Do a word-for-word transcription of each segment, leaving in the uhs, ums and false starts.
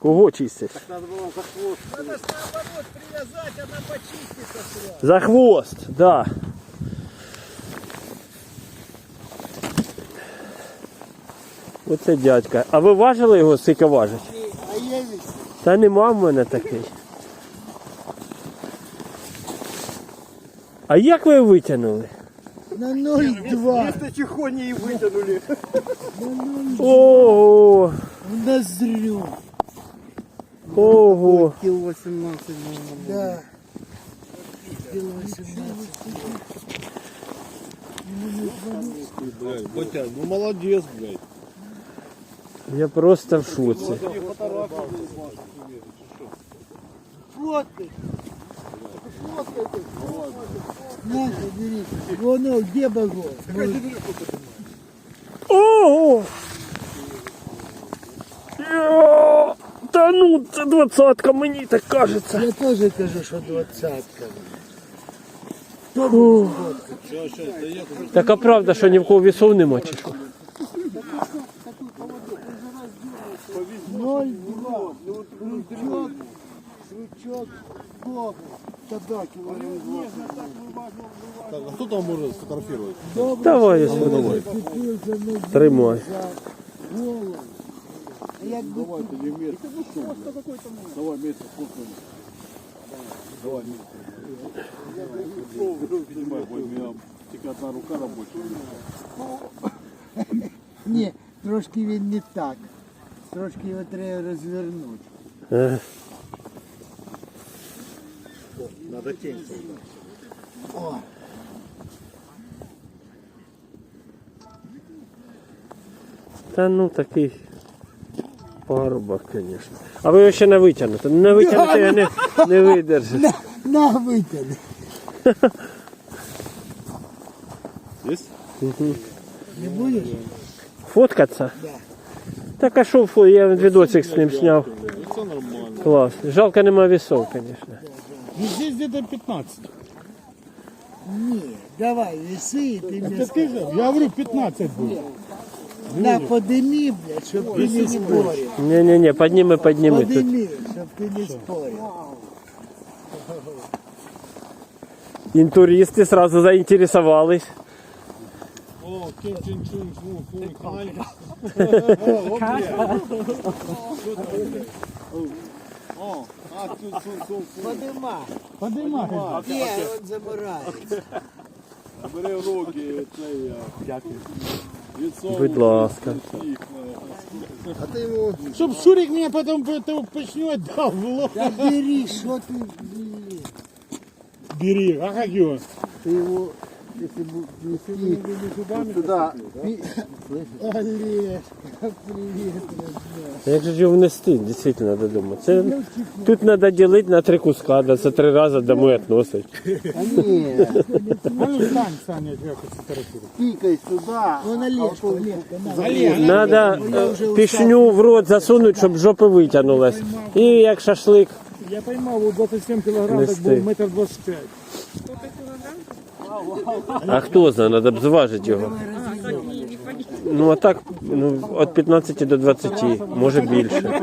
Кого чистить? Так надо было за хвост. Надо ж наоборот привязать, она почистится сразу. За хвост, да. Оце дядька. А ви важили його, скільки важить? А я ведь Та нема в мене такий. А як ви витягнули? на ноль два. Вместо чехони и вытянули. Ого! В ноздрю. Ого! Кило восемнадцать. Да. Кило восемнадцать. Блядь, Батя, ну молодец, блядь. Я просто в шоці. Фоткай. Фоткай ты. На, бери. Вон он, где багор? Ого! Йо! Та ну, це двадцятка, мені так кажеться. Я тоже кажу, что двадцатка. Фу. Так а правда, що ні в кого вісов нема чи що? ноль два. Крючок. Крючок. Бог. Тогда килограмм. Так, а кто там может сфотографировать? Давай, я сюди. Тримай. Голову. А як би Давай, ты не место. Давай место фоткаем. Давай место. Поднимай, бой, у меня только одна рука рабочая. Ні, трошки він не так. Трошки його треба розвернути. Е, Надо тень. О, Та ну такий парубок, звісно. А ви його ще не витягнете. Не витягнете, я не, не видержу. на, на витягни. Есть? Не будеш? Фоткатися? Да. Так а що, фо- я відосик з ним зняв. Это нормально. Клас. Жалко нема вісов, звісно. Ну здесь где-то пятнадцать. Ні, давай, веси, і ти мені скажи. Я говорю пятнадцать будет. На, подими, блядь, щоб ти не спорив. Ні-ні-ні, підніми, підніми. Тут. Подими, щоб ти не спорив. Інтуристи сразу заінтересувались. О, Ким Чен Чун, фу, фу, канале. О, а, тут, тут, тут, Подима. Поднимай. Ні, от забирає. Бери в руки, цей, дякую. Будь ласка. А ты его... Чтоб Шурик меня потом почнет, дал в лоб. Та бери, що ти, блін. Бери, а как его? Ти його, якщо б нести Туда. Олежка, привіт, родня. Як же ж його внести, дійсно, додому? Це, тут треба ділити на три куска, да, це три рази домой відносить. А ні, А ну встань, Саня, я хочу сфотографировать. пікай сюди. Вон Олежка, Олежка, на. Олег, Треба пішню в рот засунути, щоб жопа витягнулась. І як шашлик. я поймал, вот двадцать семь килограмм, так Нести. был метр двадцать пять. А хто знає, треба б зважити його. Ну а так, ну, від п'ятнадцяти до двадцяти, може більше.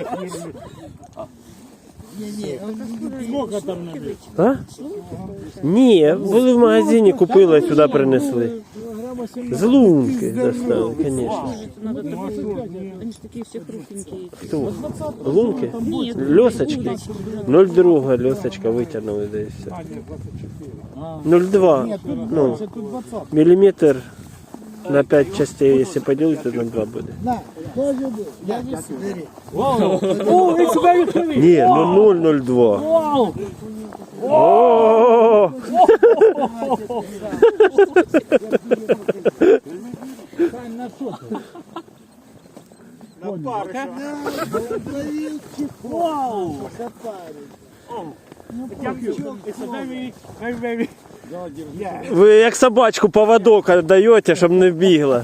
Ні-ні, Сколько там надо? А? Ні, були в магазині, купили, сюди принесли. З лунки достали, звісно. Надо такой, они же такие все хрупенькие. Хто? Лунки? Льосочки? нуль два льосочка витягнули десь. нуль два. Ну, міліметр на п'ять частей, якщо поділити, то нуль два буде. на, теж буде. Я не бери. О, it's very heavy. Ні, ну нуль нуль два. О! Вау! Запарить. It's a very, very, very... Ви як собачку поводок даєте, щоб не бігла.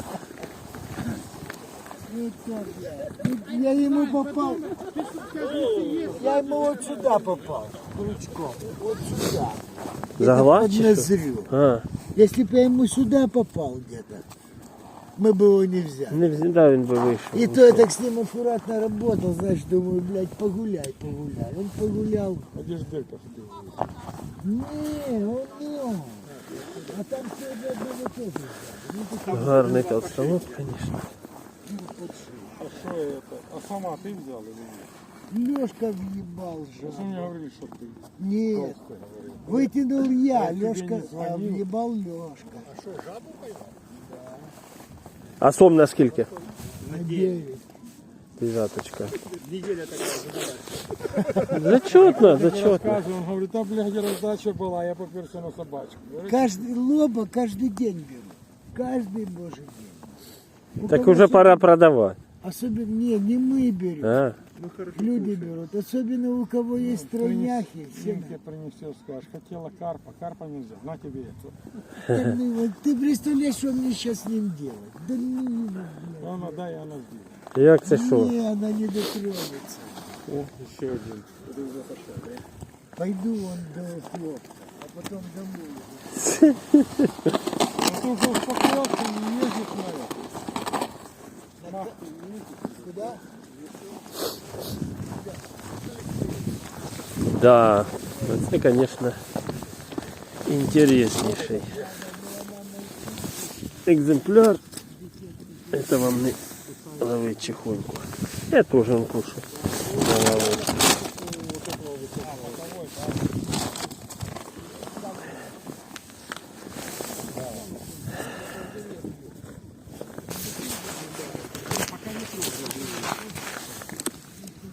Я ему попал. Я ему вот сюда попал. Крючком. Вот сюда. За глаз Под чи що? ноздрю. А, Если бы я ему сюда попал где-то, мы бы его не взяли. Не вз- да, він би вийшов. И то я так с ним аккуратно работал, знаешь, думаю, блядь, погуляй, погуляй. Он погулял. А де ж дельта ходив? Не, он не он. А там все до одного тоже взяли. Ну, такой, Гарний толстолоб, звісно. А що это? А сама ти взяла или ні? Лёшка въебал Ви же. мені говорили, що ти Нет, толстий говорив. вытянул я, тебе Лёшка, не а звонил? въебал Лёшка. А сом на скільки? На девять. Дев'яточка. Зачетно, зачетно. Розказує, він говорить, та, блядь, роздача була, я поперся на собачку. Говорить, Каждый лоба каждый день беру. Каждый божий день. У Так кого уже особенно- пора продавать. Особенно, не, не мы берем. А? Люди берут. Особенно у кого есть тройняхи. Все Синьке принесет, скажешь, хотела карпа, карпа нельзя, на тебе это. Да ну его, ты представляешь, что мне сейчас с ним делать? Да ну его, блядь. Она дай, она сделает. Як це що? Не, она не дотронется. О, еще один. Пойду он до хлопка, а потом домой. Ну ты уже успокоился, не ездит на это. Куда? Да, це, конечно, интереснейший экземпляр. Это вам не ловить чехоньку. Я тоже он кушаю.